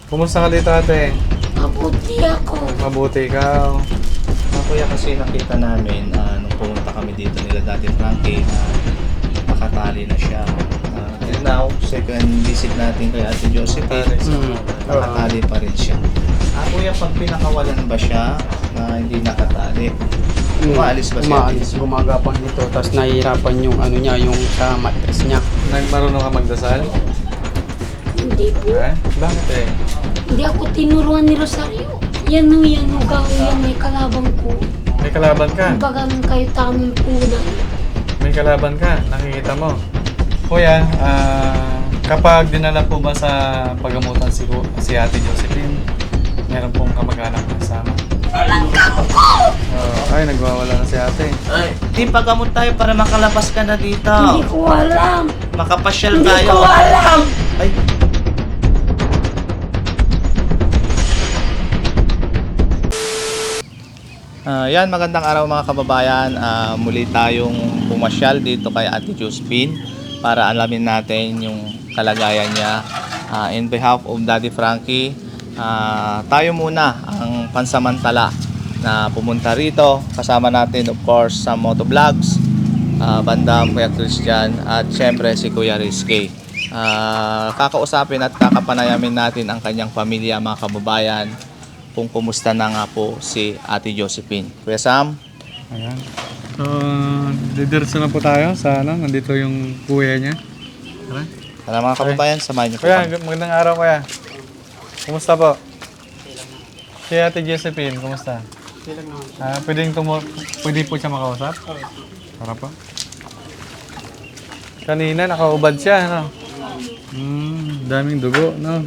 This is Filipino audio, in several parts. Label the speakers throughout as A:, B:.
A: Kumusta ka dito, ate?
B: Mabuti ako.
A: Mabuti ikaw.
C: Kuya, kasi nakita namin nung pumunta kami dito nila dati Frankie na nakatali na siya. And now, second visit natin kay Ate Josephine, nakatali pa rin siya. Kuya, pag pinakawalan ba siya na hindi nakatali? Umaalis ba siya?
D: Umaalis, gumagapang dito, tapos nahihirapan yung ano niya, yung sa mattress niya.
A: Marunong ka magdasal?
B: Hindi po.
A: Bakit eh?
B: Hindi ako tinuruan ni Rosario. Yan o, yan may kalabang ko.
A: May kalaban ka?
B: Bagang kayo tamang punan.
A: May kalaban ka? Nakikita mo? Kuya, kapag dinala po ba sa pagamutan si Ate Josephine, meron pong kamag-anak na kasama? Ay, nagwawala na si ate.
C: Ay, di pagamot tayo para makalabas ka na dito.
B: Hindi ko alam.
C: Makapasyal
B: Hindi
C: tayo.
B: ko alam.
C: Ay. Yan, magandang araw mga kababayan. Muli tayong pumasyal dito kay Ate Josephine para alamin natin yung kalagayan niya. In behalf of Daddy Frankie, tayo muna ang pansamantala na pumunta rito. Kasama natin of course sa motovlogs, bandang Kuya Christian at syempre si Kuya Rizky. Kakausapin at kakapanayamin natin ang kanyang pamilya, mga kababayan, kung kumusta na nga po si Ate Josephine. Kuya Sam?
A: Ayan. So, didiretso na po tayo sa nandito yung kuya niya. Tara.
C: Tara mga kababayan, samahan niyo po
A: Kuya,
C: kami.
A: magandang araw kuya. Kumusta po? Si Ate Josephine, kumusta? Pwede po siya makausap? Para po. Kanina nakaubad siya, no? Daming dugo, no?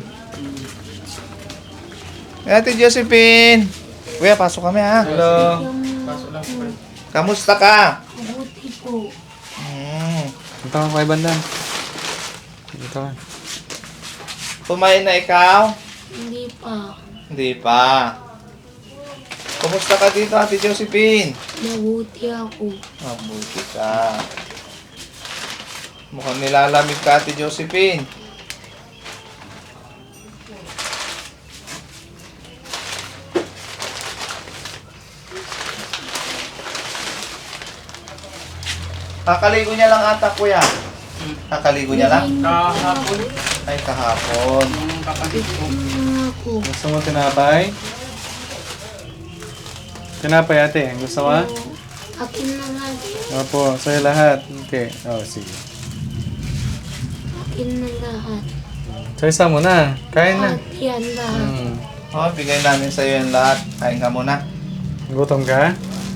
C: Ate Josephine! Kuya, pasok kami ha.
A: Hello.
C: Kamusta ka?
B: Mabuti po.
A: Dito ka kay Bandan. Dito ka.
C: Kumain na ikaw?
B: Hindi pa.
C: Hindi pa. Kumusta ka dito, Ate Josephine?
B: Mabuti ako.
C: Mabuti ka. Mukhang nilalamig ka, Ate Josephine. Kakaligo niya lang ata, kuya. Kakaligo niya lang?
D: Kahapon,
C: Ay, kahapon.
D: yung kapatid ko,
B: Ako.
A: Gusto mo tinapay? Tinapay ate, gusto mo?
B: Akin na lagi.
A: Opo, sa'yo lahat. Okay. Oh, sige.
B: Akin na lahat.
A: So, isa mo na. Kain na.
B: At yan lahat.
C: Oh, bigay namin sa'yo yung lahat. Kain ka muna.
A: Gutom ka?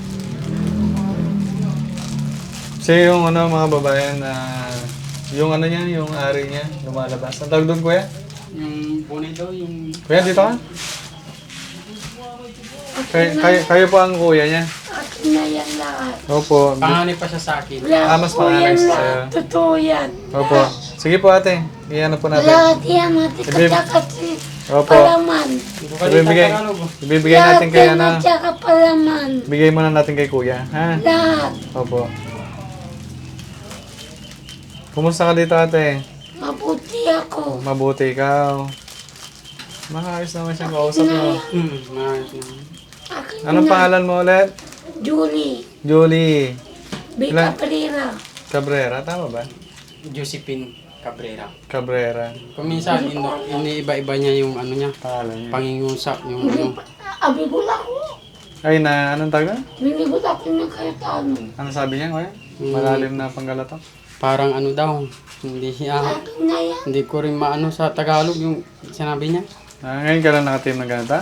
A: Siya yung mga babayan na yung niya, yung ari niya, lumalabas. Ang tawag doon, kuya?
D: yung bunay daw, yung
A: Kuya, dito ka? Kayo po ang kuya niya.
B: Akin na yan lahat.
A: Opo.
D: panganay pa siya sa akin.
A: Mas panganay
B: yan
A: sa'yo.
B: lahat. Totoo yan.
A: Opo. Sige po ate. Iyan po natin.
B: Lahat yan ate
A: Ibib-
B: kasi
A: Opo.
B: palaman.
D: Hindi ko kanina
A: Ibibigay,
D: Tagalog.
A: ibibigay natin kay
B: Lahat yan at saka palaman.
A: Bigay muna natin kay kuya. Ha?
B: Lahat.
A: Opo. Kumusta ka dito ate?
B: Mabuti ako.
A: Mabuti ikaw. Maayos naman siyang kausap mo.
D: Maayos naman.
B: Akin
A: Anong
B: na.
A: pangalan mo ulit?
B: Julie.
A: Julie
B: Bika
A: Ilan?
B: Pereira.
A: Cabrera, tama ba?
D: Josephine Cabrera.
A: Cabrera.
D: Paminsan, iniiba-iba niya yung ano niya,
A: Pangalan niya.
D: pangingusap, yung
B: Hindi
D: ano.
B: pa. Abigol ako.
A: Ay na, anong tawag na?
B: Binibot ako ng kahit ano.
A: Ano sabi niya, kuya? Malalim na panggalato.
D: Parang ano daw, hindi siya,
B: Akin na yan.
D: hindi ko rin maano sa Tagalog yung sinabi niya.
A: Ngayon ka lang nakatim ng ganito?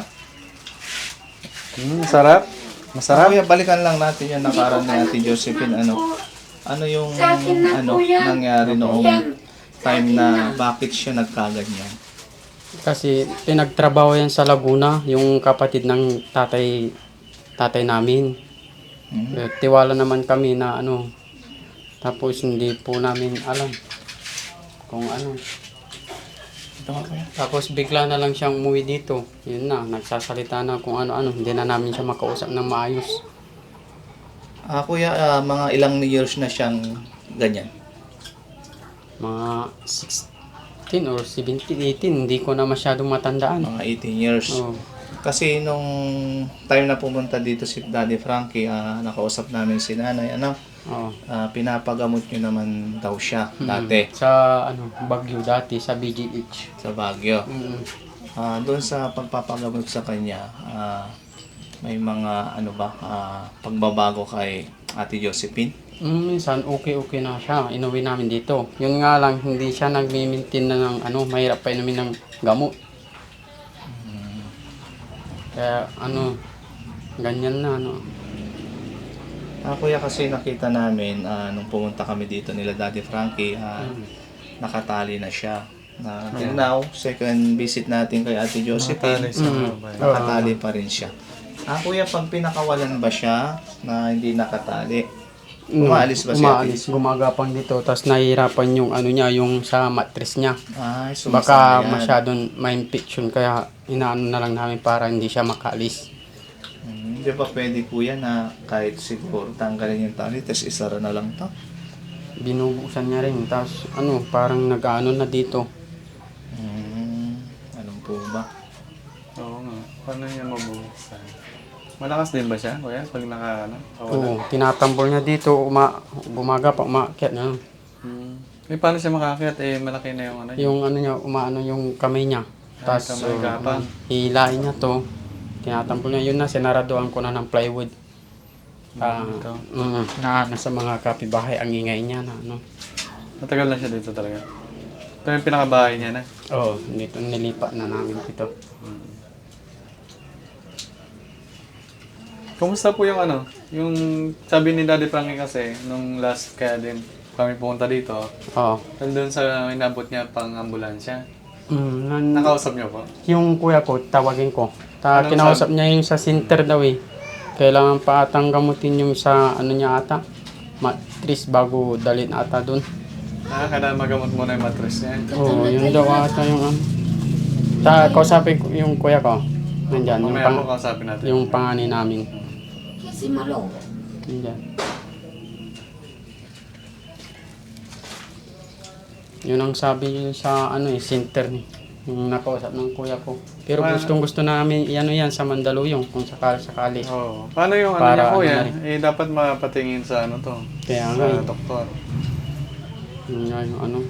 A: Sarap? Masarap?
C: Kuya, balikan lang natin yung nakaraan ni Ate Josephine. Ano yung
B: Sa akin na po yan.
C: nangyari noong
B: Yan.
C: time na bakit siya nagkaganyan?
D: Kasi pinagtrabaho yan sa Laguna, yung kapatid ng tatay namin. Tiwala naman kami na ano, tapos hindi po namin alam kung ano.
C: Ito nga, kuya.
D: Tapos bigla na lang siyang umuwi dito. Yun na, nagsasalita na kung ano-ano. Hindi na namin siya makausap ng maayos.
C: Kuya, mga ilang years na siyang ganyan?
D: Mga 6 18 or 17, 18. Hindi ko na masyadong matandaan.
C: Mga 18 years.
D: Oo.
C: Kasi nung time na pumunta dito si Daddy Frankie, nakausap namin si nanay,
D: Oo.
C: pinapagamot nyo naman daw siya dati
D: Sa Baguio dati, sa BGH.
C: sa Baguio.
D: Mm.
C: Doon sa pagpapagamot sa kanya, may mga pagbabago kay Ate Josephine.
D: Minsan okay na siya. Inuwi namin dito. Yun nga lang, hindi siya nagmi-maintain na ng mahirap pa inumin ng gamot. Kaya ganyan na
C: Kuya, kasi nakita namin nung pumunta kami dito nila Daddy Frankie, nakatali na siya. Till now, second visit natin kay Ate Josephine,
A: Nakatali sa mga bayan.
C: nakatali pa rin siya. Kuya, pag pinakawalan ba siya na hindi nakatali? Umaalis ba siya?
D: Umaalis, gumagapang dito. Tapos nahihirapan yung niya, yung sa mattress niya.
C: Sumasama
D: Baka
C: yan.
D: masyadong ma-infection kaya inaano na lang namin para hindi siya makaalis.
C: Hindi ba pwede kuya na kahit siguro tanggalin yung tali, tapos isara na lang to?
D: Binubusan niya rin. Tapos parang nag-ano na dito.
C: Anong po ba?
A: Oo nga. Paano niya mabubuksan? Malakas din ba siya, kuya? Pag
D: Oo, tinatambol niya dito, gumaga pa, umakyat na.
A: Paano siya makakit? Malaki na yung
D: Yung niya, yung kamay niya. Tapos,
A: kamay gapang.
D: hilain niya to. Tinatambol niya, yun na, sinaraduan ko na ng plywood. Sa mga kapibahay, ang ingay niya na,
A: Matagal na siya dito talaga. Ito yung pinakabahay niya na.
D: Oo, dito, nilipat na namin dito.
A: Kumusta po yung yung sabi ni Daddy Frankie kasi, nung last kaya din kami pumunta dito,
D: Oo.
A: nandun sa inabot niya pang ambulansya.
D: Mm,
A: Nakausap niyo po?
D: yung kuya ko, tawagin ko.
A: Anong
D: Kinausap niya yung sa center daw eh. Kailangan pa atang gamutin yung sa niya ata. Matris bago dalhin ata dun.
A: Kailangan magamot muna yung mattress niya.
D: Oo, yun daw ata yung kausapin ko yung kuya ko. Nandyan,
A: Mamaya po kausapin natin.
D: yung panganay namin.
B: Si Malo.
D: Nandyan. Yun ang sabi yun sa center ni. Yung nakausap ng kuya ko. Pero gusto namin yan sa Mandaluyong kung sakali.
A: Oo. Paano yung
D: Para
A: niya, kuya?
D: na rin.
A: Dapat mapatingin sa to.
D: Kaya
A: Sa
D: nga eh.
A: doktor.
D: Yun nga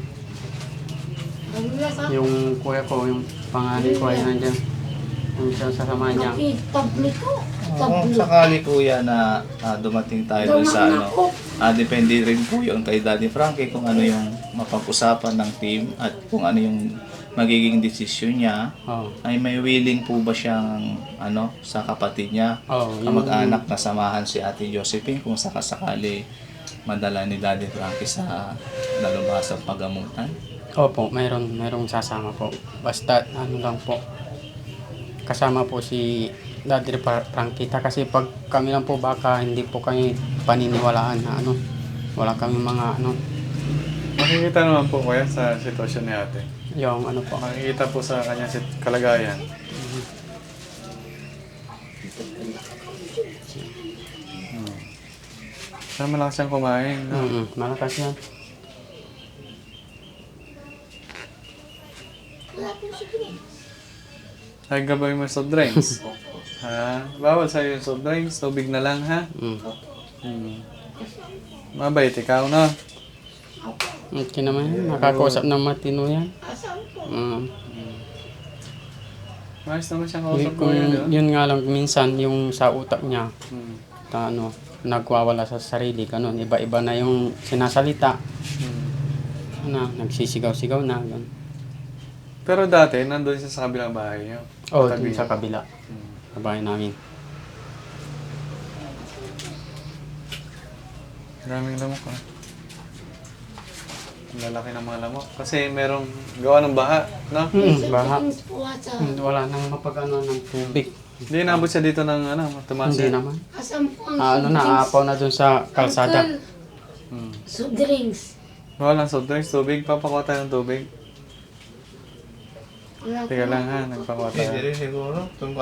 D: yung kuya ko, yung panganay ko ay nandyan. Yung isa sa sama niya.
B: Tabli ko.
C: Kung sakali kuya na dumating tayo dun sa depende rin po yung kay Daddy Frankie kung ano yung mapag-usapan ng team at kung ano yung magiging desisyon niya.
D: Oo.
C: Ay may willing po ba siyang sa kapatid niya,
D: Oo,
C: kamag-anak na samahan si Ate Josephine kung sakasakali madala ni Daddy Frankie sa nalubhasang pagamutan?
D: Opo, mayroong sasama po. Basta lang po. Kasama po si Daddy Frankita kasi pag kami lang po baka hindi po kami paniniwalaan na wala kami mga
A: Makikita naman po kuya sa sitwasyon ni ate.
D: yung po.
A: Makikita po sa kanya kalagayan. Sana malakas siyang kumain. No?
D: Malakas yan.
A: Ay, gabay mo soft drinks. Bawal sa'yo yung soft drinks. Tubig na lang, ha? Mabait ikaw, no?
D: Okay naman yan. Nakakausap ng matino yan.
A: Maayos naman siyang kausap ko yun.
D: Yun nga lang minsan yung sa utak niya nagwawala sa sarili, ganun. Iba-iba na yung sinasalita. Nagsisigaw-sigaw na. Ganun.
A: Pero dati, nandun siya sa kabilang bahay niyo.
D: Oo, dun sa kabila. Sa bahay namin.
A: Maraming lamok, ha? Ang lalaki ng mga lamok. Kasi merong gawa ng baha, no?
D: Baha. Wala nang mapag-ano ng tubig.
A: Hindi inabot siya dito ng tumaas.
D: Hindi naman.
B: Asan po ang
D: Naapaw na dun sa kalsada.
B: soft drinks?
A: Walang soft drinks, tubig. Papakuha tayo ng tubig.
B: Wala po.
A: Teka lang ha, nagpakuha tayo.
C: Pwede rin siguro.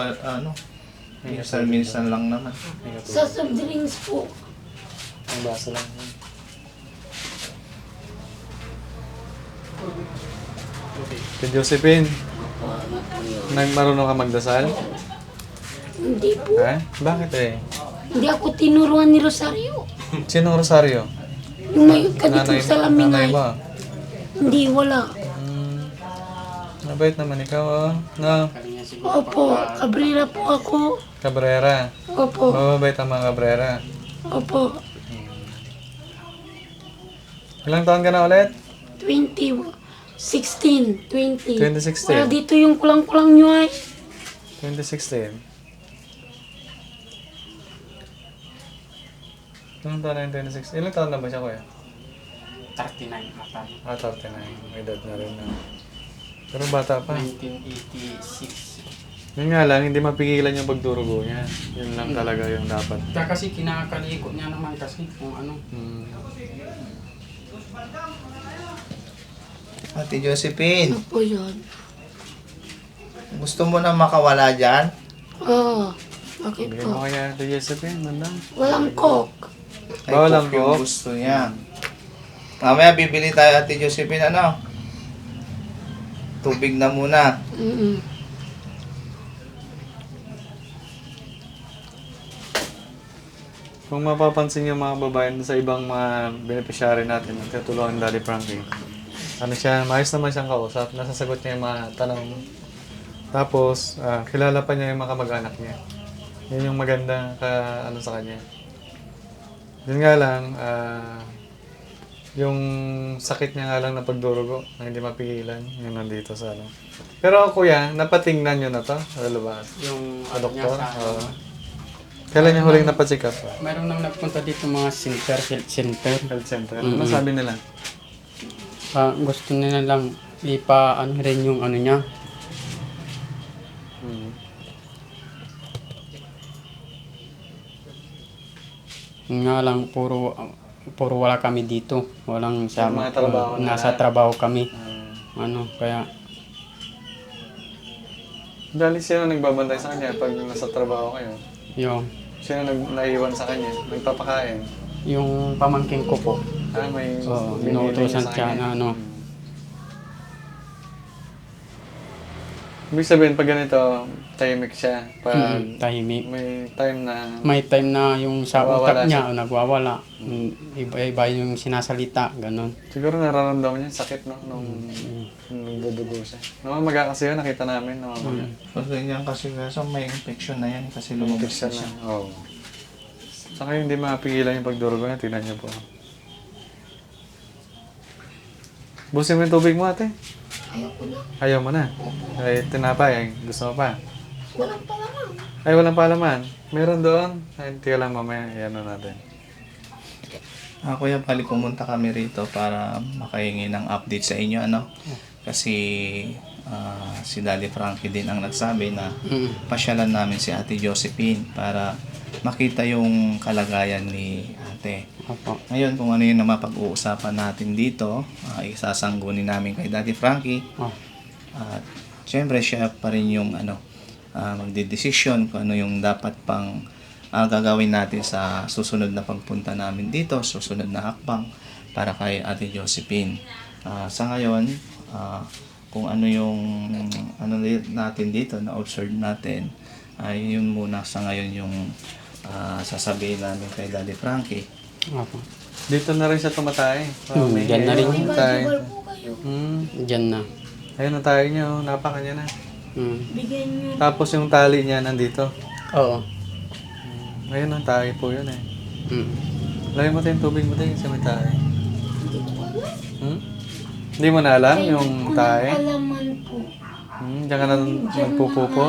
C: Minsan lang naman.
B: Sa soft drinks po.
A: Ang baso lang. Ate Josephine, marunong ka magdasal?
B: Hindi po.
A: Ha? Bakit eh?
B: Hindi ako tinuruan ni Rosario.
A: Sinong Rosario?
B: Yung may kadito sa
A: Nanay
B: laminay.
A: mo?
B: Hindi, wala.
A: Mabait naman ikaw, oh. No?
B: Opo, Cabrera po ako.
A: Cabrera.
B: Opo,
A: Mababait ang mga Cabrera.
B: opo.
A: Ilang taon ka na ulit?
B: 16, 20.
A: 2016.
B: Wala dito yung kulang-kulang nyo ay.
A: 2016. Ilang taon na yung 2016? Ilang taon na ba siya, kuya?
D: 39 ata.
A: 39. May edad na rin na. Pero bata pa.
D: 1986.
A: Yun nga lang, hindi mapigilan yung pagdurugo niya. Yun lang talaga yung dapat.
D: Kaya kasi kinakalikot niya naman kasi kung ano.
C: Ate Josephine,
B: Ano po yun?
C: gusto mo na makawala dyan?
B: Oo. Bakit
A: Bigyan mo
B: po?
A: kaya ito, Josephine, mandang.
B: Walang coke.
C: Ay,
A: Bawal ang
C: coke yung
A: coke.
C: gusto niya. Mamaya bibili tayo, Ate Josephine, ano? Tubig na muna.
A: Kung mapapansin yung mga babae sa ibang mga beneficiary natin, nagtutulungan ni Daddy Frankie. Ano siya, maayos naman siyang kausap, nasasagot niya yung mga tanong. Tapos, kilala pa niya yung mga kamag-anak niya. Yun yung maganda ano sa kanya. Yun nga lang, yung sakit niya nga lang na pagdurugo, na hindi mapigilan, yung nandito sa ano. Pero kuya, napatingnan niyo na to? Ano ba?
D: Yung
A: Sa
D: ano niya
A: doktor?
D: sa...
A: Oo. Kailan niya huling napacheck up?
D: Mayroon nang nagpunta dito mga center, health center.
A: Health center. Ano sabi nila?
D: Gusto nila lang ano rin yung ano niya. Yun nga lang, puro wala kami dito. Walang sama.
A: mga trabaho na
D: Nasa
A: lahat.
D: trabaho kami. Ano, kaya
A: Dali sino nagbabantay sa kanya pag nasa trabaho kayo?
D: yung
A: Sino naiwan sa kanya? Nagpapakain?
D: pamangkin ko po.
A: May
D: Inuutosan
A: binibigay sa
D: siya
A: kanya?
D: na ano.
A: Ibig sabihin, pag ganito, tahimik siya. Pag
D: Tahimik.
A: may time na
D: May time na yung sa
A: Nawawala
D: utak niya, nagwawala. Iba-iba yung sinasalita, ganun.
A: siguro nararamdaman niya yung sakit no? nung nagdudugo siya. Namamaga kasi yun, nakita namin. Namamaga.
C: Pag ganyan kasi kaso may infection na yan kasi
A: Lumabas
C: lumabas na
A: siya
C: siya.
A: na. Oo. Saka hindi mapigilan yung pagdurugo niya. Tingnan niyo po. Busin mo yung tubig mo, ate.
B: Ayoko na.
A: Ayaw mo na. Ay, tinapay. Gusto mo pa.
B: Walang palaman.
A: Ay, walang palaman. Meron doon. Ay, tiga lang mamaya. Ayan na natin.
C: Kuya, bali pumunta kami rito para makahingi ng update sa inyo, ano? Kasi si Daddy Frankie din ang nagsabi na pasyalan namin si Ate Josephine para makita yung kalagayan ni ate.
D: Opo.
C: Ngayon, kung ano yung mapag-uusapan natin dito, isasanggunin namin kay Daddy Frankie.
D: Oh.
C: At syempre, siya pa rin yung magdidesisyon kung ano yung dapat pang gagawin natin sa susunod na pagpunta namin dito, susunod na hakbang para kay Ate Josephine. Sa ngayon, kung ano yung natin dito, na-observe natin, ay yun muna sa ngayon yung sasabihin namin kay Daddy Frankie.
D: Opo.
A: Dito na rin siya tumatay.
D: Diyan na rin.
A: Tayo.
B: Bal po kayo.
D: Diyan na.
A: Ayun ang tayo niya. Oh. Napaka niya na.
B: Bigyan nyo.
A: Tapos yung tali niya nandito.
D: Oo.
A: Ayun ang tayo po yun eh.
D: Mm.
A: Lagyan mo tayo yung tubig mo tayo sa may tayo. Hindi mo na alam yung tayo?
B: Alaman po.
A: Diyan ka na nagpupupo.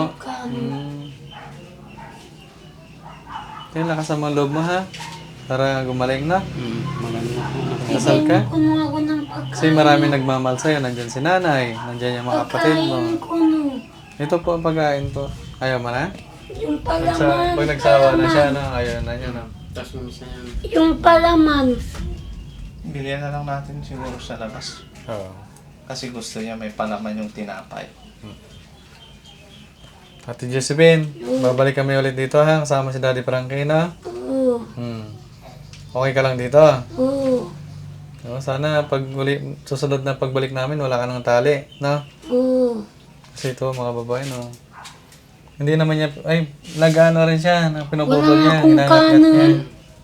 A: Kaya lakas ang mga loob mo ha. Para gumaling na.
D: Maganda.
A: Kasal ka?
B: Kuno ako ng pagkain.
A: Kasi marami nagmamahal sa'yo. Nandyan si nanay. Nandyan yung mga kapatid mo.
B: Pagkain kuno.
A: Ito po ang pagkain po. Ayaw mo na?
B: Yung palaman.
A: Pag nagsawa na siya, no? Ayaw na niya, no?
D: Tapos minsan yan.
B: Yung palaman.
C: Bilihan na lang natin siguro sa labas.
A: Oo.
C: Kasi gusto niya may palaman yung tinapay.
A: Ate Josephine, babalik kami ulit dito ha. Kasama si Daddy Frankie, no?
B: Oo.
A: Okay ka lang dito?
B: Oo.
A: Sana susunod na pagbalik namin, wala ka ng tali, no?
B: Oo.
A: Kasi ito, mga babae, no? Hindi naman niya, ay, nag-ano rin siya, pinuputol
B: Wala
A: niya,
B: akong
A: hinangat-ngat
B: kanan.
A: niya.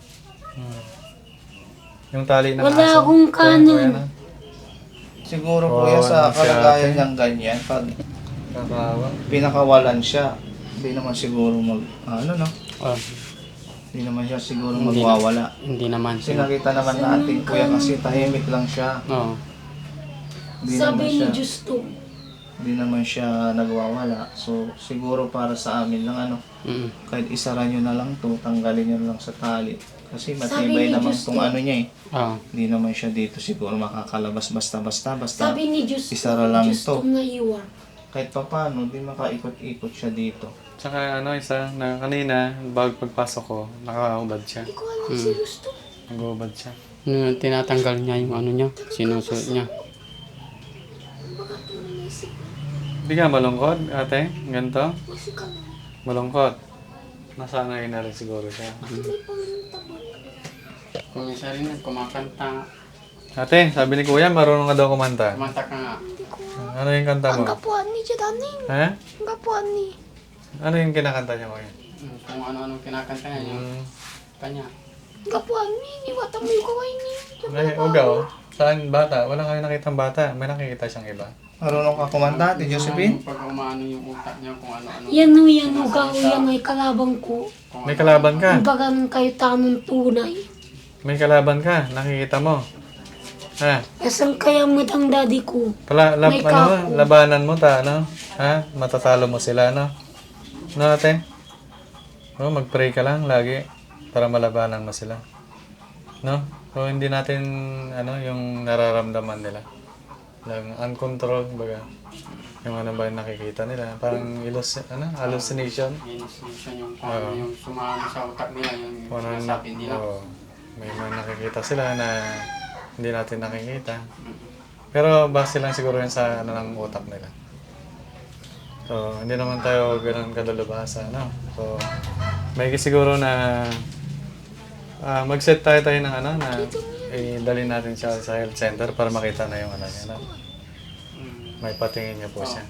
A: Yung tali ng
B: Wala
A: aso.
B: akong
A: Kuya,
B: kanan.
A: no?
C: Siguro
A: Oo,
C: kuya sa
A: ano siya,
C: kalagayan
A: ate?
C: niyang ganyan, pag
A: Kakawa.
C: pinakawalan siya, hindi naman siguro ano no?
D: Oh,
C: Hindi naman siya siguro
D: Hindi
C: magwawala.
D: hindi naman
C: Kasi
D: siya.
C: nakita naman natin kuya kasi tahimik lang siya.
D: Oo.
C: Hindi
B: Sabi
C: naman
B: ni
C: siya,
B: Justo,
C: hindi naman siya nagwawala. So siguro para sa amin lang ano,
D: Mm.
C: kahit isara nyo na lang to, tanggalin nyo na lang sa tali. Kasi
B: Sabi
C: matibay
B: ni
C: naman
B: Diyos
C: tong
B: to.
C: ano niya eh.
D: Oo.
C: Hindi naman siya dito siguro makakalabas basta-basta. Basta
B: sabi ni Justo,
C: isara lang
B: Justo
C: to.
B: na iwan.
C: Kahit pa paano, di makaikot-ikot siya dito.
A: Tsaka ano, isa, na kanina, bago pagpasok ko, nakaubad siya.
B: Hindi ko alam si Justo.
A: Nag-ubad siya.
D: Tinatanggal niya yung ano niya, sinusuot niya.
A: Hindi ka malungkot, ate? Ganito?
B: Kasi ka na.
A: Malungkot. Nasanay na rin siguro siya.
B: May pamantabal.
D: Kung isa rin yan, kumakanta.
A: Ate, sabi ni kuya, marunong ka daw kumanta.
D: Kumanta ka nga.
A: Ano yung kanta mo?
B: Ang kapuan ni Jadaning.
A: Ha?
B: Ang kapuan ni.
A: Ano yung kinakanta niya kuya?
D: Kung ano-anong kinakanta niya, yung kanya.
B: Ang kapuan ni. Niwata mo yung kaway ni.
A: Ay, ugaw. Saan bata? Wala kayo nakitang bata. May nakikita siyang iba.
C: Marunong ka kumanta, Ate Josephine?
D: Pag umaano yung utak niya, kung ano-ano.
B: Yan o yan o gaw yan ay kalabang ko.
A: May kalaban ka.
B: Ang baga ng kayo tanong tunay.
A: May kalaban ka. Nakikita mo. Ha?
B: Asan kaya mo ang daddy ko? May
A: Ano, labanan mo ta, ano? Ha? Matatalo mo sila, no? No, ate? Oh, mag-pray ka lang lagi para malabanan mo sila. No? So, hindi natin, ano, yung nararamdaman nila. Lang uncontrolled, baga. Yung ano ba yung nakikita nila. Parang hallucination.
D: Siya yung kung ano yung sumama sa utak nila, yung
A: Parang,
D: sinasabi nila.
A: may mga nakikita sila na hindi natin nakikita. Pero base lang siguro yun sa ano ng utak nila. So, hindi naman tayo ganun kadalubhasa, no? So, may siguro na mag-set tayo ng ano na dalhin natin siya sa health center para makita na yung ano niya, no? May patingin niya po siya.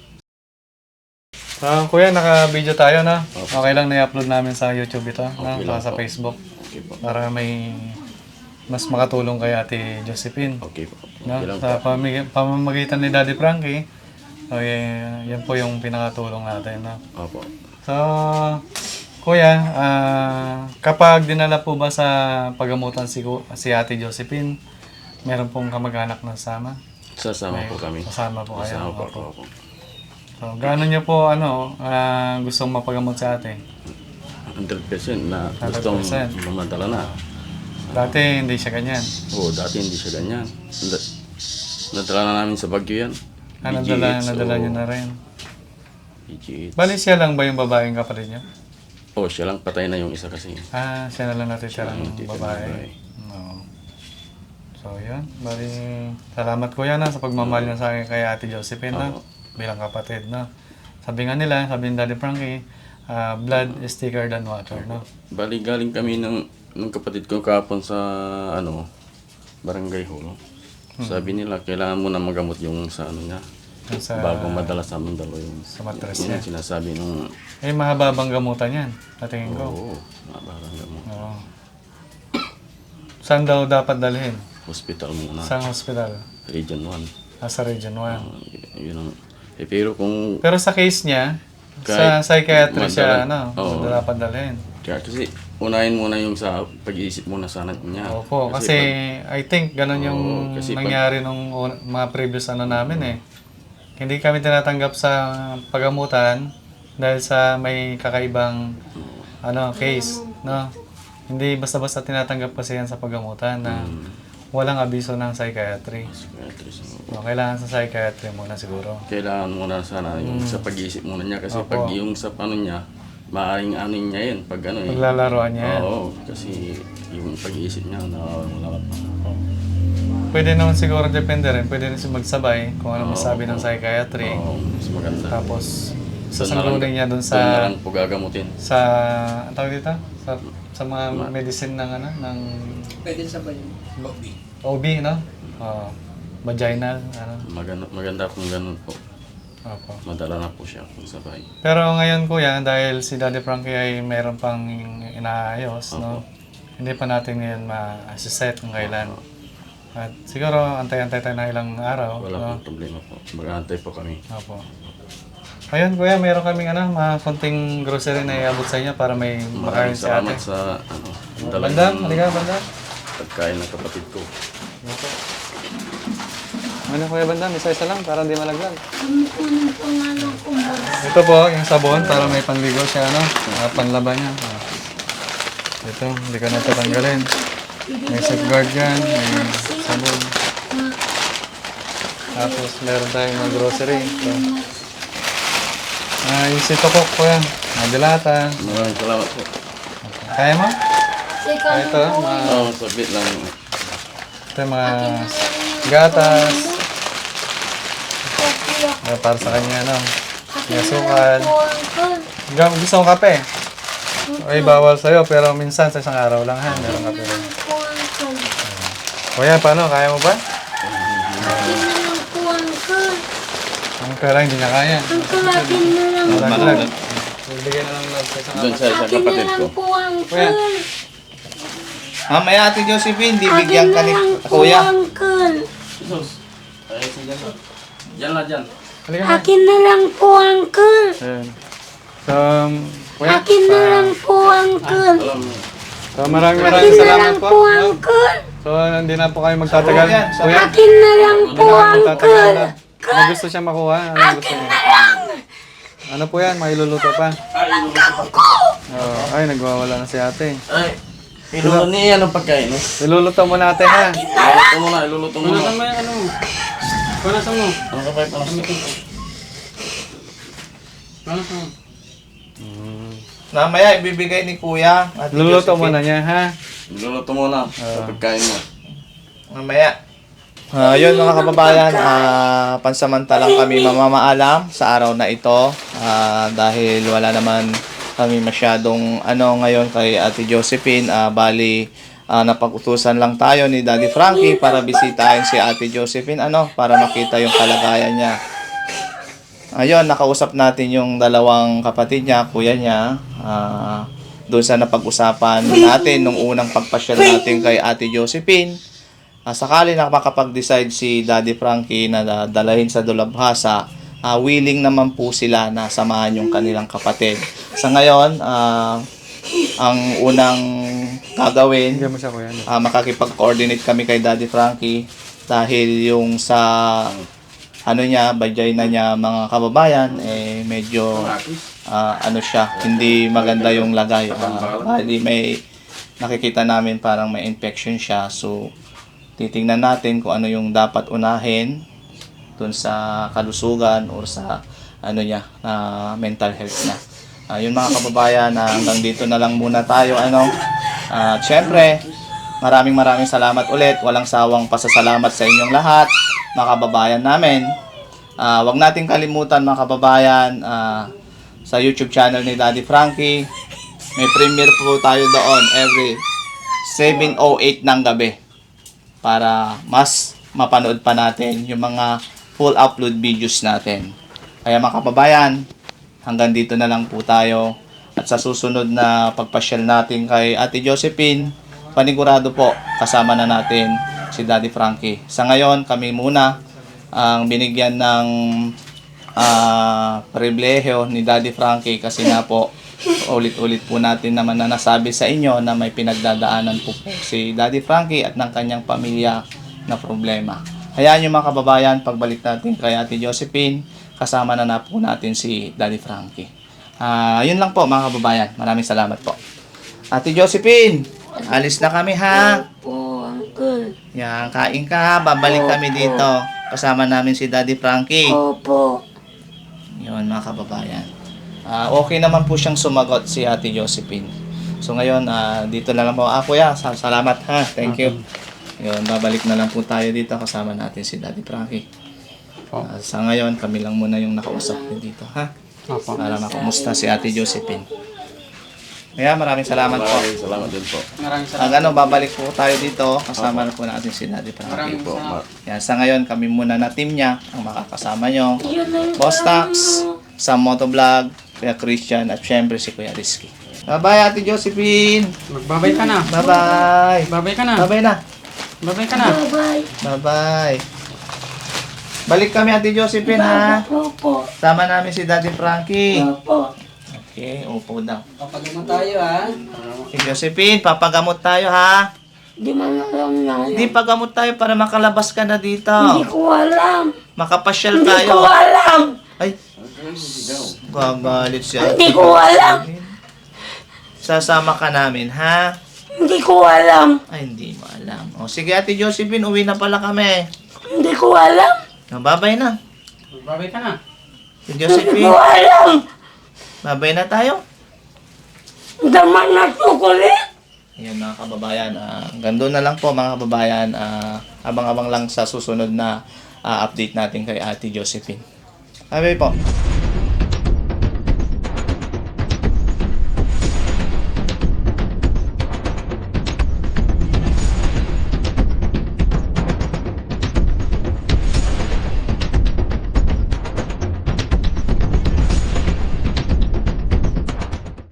A: Kuya, naka-video tayo, no? Okay lang na i-upload namin sa YouTube ito, no? Saka sa Facebook. Para may mas makatulong kay Ate Josephine.
E: Okay po.
A: No? Sa pamamagitan ni Daddy Frankie, yan po yung pinakatulong natin. No?
E: Opo.
A: So, Kuya, kapag dinala po ba sa pagamutan si Ate Josephine, meron pong kamag-anak na sama?
E: Sasama po kami.
A: Kasama po kayo.
E: Sasama po
A: Opo.
E: ako.
A: So, gaano niyo po gustong mapagamot sa ate?
E: 100% na gustong
A: 100%.
E: mamantala na.
A: Dati hindi siya ganyan.
E: Oo, dati hindi siya ganyan. Nadala na namin sa Baguio yan.
A: Nadala niyo na rin.
E: BGH.
A: Bali siya lang ba yung babaeng kapatid niyo?
E: Oh, siya lang patay na yung isa kasi.
A: Siya na lang natitira ng
E: natitira ng
A: babae.
E: babae.
A: Oo. So, yun. Bali, salamat kuya na sa pagmamahal niyo sa akin kay Ate Josephine na bilang kapatid, no? Sabi nga nila, sabi ni Daddy Frankie, blood is thicker than water, no?
E: Bali, galing kami ng kapatid ko kahapon sa Barangay Hall. Sabi nila, kailangan mo na magamot yung sa ano niya.
A: Yung sa,
E: Bago madala sa Mindalo yung
A: sa mattress
E: yun
A: niya.
E: ang sinasabi nung
A: Mahababang gamutan yan, patingin ko.
E: oo, mabarang gamot.
A: Oo. Saan daw dapat dalhin?
E: Hospital muna.
A: Saan hospital?
E: Region 1.
A: Sa Region 1.
E: Yun ang, pero kung
A: Pero sa case niya,
E: Kahit
A: sa psychiatry siya,
E: oo.
A: dapat dalhin.
E: kaya kasi unahin muna yung sa pag-iisip muna sana niya.
A: Opo, kasi I think ganun yung
E: Oo, kasi
A: nangyari nung mga previous namin eh. Hindi kami tinatanggap sa pagamutan dahil sa may kakaibang case, no? Hindi basta-basta tinatanggap kasi yan sa pagamutan na walang abiso ng psychiatry. So, kailangan sa psychiatry muna siguro.
E: Kailangan muna sana yung sa pag-iisip muna niya kasi
A: Opo.
E: pag yung sa paano niya, maaaring ano niya yun pag ano eh.
A: Paglalaroan niya yan.
E: Oo, kasi yung pag-iisip niya nawawala pa.
A: Pwede naman siguro depende rin. Pwede rin siya magsabay kung ano masabi ng psychiatry.
E: Oo, mas maganda.
A: Tapos,
E: Doon na
A: sasanggulin
E: lang-
A: niya dun
E: doon na
A: sa
E: lang po gagamutin.
A: ang tawag dito? Sa mga medicine ng ng
D: Pwede sabay.
A: OB, no? Vaginal, ano?
E: Maganda kung ganun po.
A: Opo.
E: Madala na po siya kung sabay.
A: Pero ngayon kuya, dahil si Daddy Frankie ay mayroon pang inaayos, no? Hindi pa natin ngayon ma-set kung kailan. At siguro antay-antay tayo na ilang araw.
E: Wala
A: no?
E: pong problema po. Mag-aantay po kami.
A: Opo. Ayun kuya, mayroon kaming mga konting grocery na iabot sa inyo para may makain
E: Maraming
A: si ate.
E: salamat sa dala
A: Bandam,
E: ng
A: halika Bandam.
E: pagkain ng kapatid ko.
A: Ano kuya Bandam, isa-isa lang para hindi malaglag.
B: Kunin po nga ng kumbar.
A: Ito po, yung sabon para may panligo siya, ano? Panlaban niya. Ito, hindi ka na tatanggalin. May safeguard yan, may sabon. Tapos meron tayong mga grocery. Ito. Yung situkok po yan. Mga dilata.
E: Maraming salamat po.
A: Kaya mo?
B: Sika
A: Ito, mga,
E: Sabit lang.
A: ito yung mga gatas. Para sa kanya, no? May asukal. Gusto mong kape? Ay, bawal sa'yo, pero minsan sa isang araw lang, ha? Meron kape rin. Kuya, paano? Kaya mo ba? Ang kaya hindi niya kaya. Malaglag. Bigyan na lang love sa isang
E: Doon sa isang kapatid ko.
A: Kuya,
C: Mamaya Ate Josephine, bibigyan ka ni Kuya.
E: Jesus. Ay, sige na. Diyan lang, diyan.
A: halika na.
B: Akin na lang po, Uncle.
A: Ayan. So, kuya,
B: Akin na lang po, Uncle.
E: Alam mo.
A: so maraming
B: Akin na
A: salamat
B: lang
A: po.
B: po,
A: no?
B: Uncle.
A: So, hindi na po kayo magtatagal.
C: Kuya,
A: Kuya,
B: Akin na lang
A: hindi
B: po,
A: na kayo magtatagal
B: Uncle.
A: na. Ano gusto siya makuha? Ano gusto niya? Ano po yan? May iluluto pa? Ay, nagwawala na si ate.
E: Ay, iluluto niya ang pagkain. No?
A: Iluluto mo natin ha.
E: Iluluto mo na, iluluto mo na.
D: Punasan mo.
E: Ano ka pa yung
D: Punasan mo.
C: Mamaya ibibigay ni Kuya. Ate
A: Iluluto mo
C: Josephine.
A: na niya ha.
E: Iluluto mo na sa pagkain mo.
C: Mamaya. Yun mga kababayan, pansamantalang kami mamamaalam sa araw na ito dahil wala naman kami masyadong ngayon kay Ate Josephine. Bali, napag-utusan lang tayo ni Daddy Frankie para bisitahin si Ate Josephine para makita yung kalagayan niya. Ayun, nakausap natin yung dalawang kapatid niya, kuya niya, doon sa napag-usapan natin nung unang pagpasyal natin kay Ate Josephine. Sakali na makapag-decide si Daddy Frankie na dalahin sa Dolabhasa, willing naman po sila na samahan yung kanilang kapatid. Sa ngayon, ang unang gagawin,
A: Bigyan mo siya kuya.
C: makakipag-coordinate kami kay Daddy Frankie dahil yung sa vagina niya mga kababayan, medyo hindi maganda yung lagay. Bali may nakikita namin parang may infection siya. So, titingnan natin kung ano yung dapat unahin dun sa kalusugan or sa mental health niya. Yun mga kababayan, hanggang dito na lang muna tayo. Siyempre, maraming salamat ulit. Walang sawang pasasalamat sa inyong lahat, mga kababayan namin. Wag nating kalimutan mga kababayan, sa YouTube channel ni Daddy Frankie, may premiere po tayo doon every 7:08 ng gabi para mas mapanood pa natin yung mga full upload videos natin. Kaya mga kababayan, hanggang dito na lang po tayo. At sa susunod na pagpasyal natin kay Ate Josephine, panigurado po kasama na natin si Daddy Frankie. Sa ngayon, kami muna ang binigyan ng pribilehiyo ni Daddy Frankie kasi nga po ulit-ulit po natin naman na nasabi sa inyo na may pinagdadaanan po si Daddy Frankie at ng kanyang pamilya na problema. Hayaan nyo mga kababayan, pagbalik natin kay Ate Josephine, kasama na po natin si Daddy Frankie. Yun lang po mga kababayan. Maraming salamat po. Ate Josephine, alis na kami ha.
B: Po, Uncle.
C: Yan, kain ka ha. Babalik kami dito. Kasama namin si Daddy Frankie.
B: Opo.
C: Yun mga kababayan. Okay naman po siyang sumagot si Ate Josephine. So ngayon, dito na lang po. Kuya, salamat ha. Thank you. Yun, babalik na lang po tayo dito. Kasama natin si Daddy Frankie. Sa ngayon, kami lang muna yung nakausap din dito ha. Para makumusta si Ate Josephine. Kaya maraming salamat po.
E: Maraming salamat din po.
D: Maraming
C: Ang babalik po tayo dito, kasama na po natin si Daddy Frankie.
D: Maraming
E: Po,
D: salamat.
C: Yan, sa ngayon, kami muna na team niya ang makakasama nyo.
B: Yun ang
C: Boss Tax, sa Motovlog, Kuya Christian, at syempre si Kuya Rizky. Bye-bye, Ate Josephine!
D: Magbabay ka na.
C: Bye-bye!
D: Babay ka na.
C: Bye-bye na!
D: Babay ka na.
B: Bye-bye.
C: Bye-bye! Balik kami, Ate Josephine, ha?
B: Opo.
C: Sama namin si Daddy Frankie.
B: Opo.
C: Okay, upo daw.
D: Papagamot tayo ha.
C: Si Josephine, papagamot tayo, ha?
B: Di man alam na.
C: Hindi, pagamot tayo para makalabas ka na dito.
B: Hindi ko alam.
C: Makapasyal
B: Hindi ko
C: tayo.
B: alam.
C: Ay, gagalit siya.
B: Hindi ko alam.
C: Sasama ka namin, ha?
B: Hindi ko alam.
C: Ay, hindi mo alam. O, sige, Ate Josephine, uwi na pala kami.
B: Hindi ko alam.
C: Babay na.
D: Babay ka na.
C: Si
B: Hindi
C: Josephine,
B: ko alam.
C: babay na tayo.
B: Daman na chocolate.
C: Ayan mga kababayan, hanggang doon na lang po mga kababayan. Abang-abang lang sa susunod na update natin kay Ate Josephine. Bye po.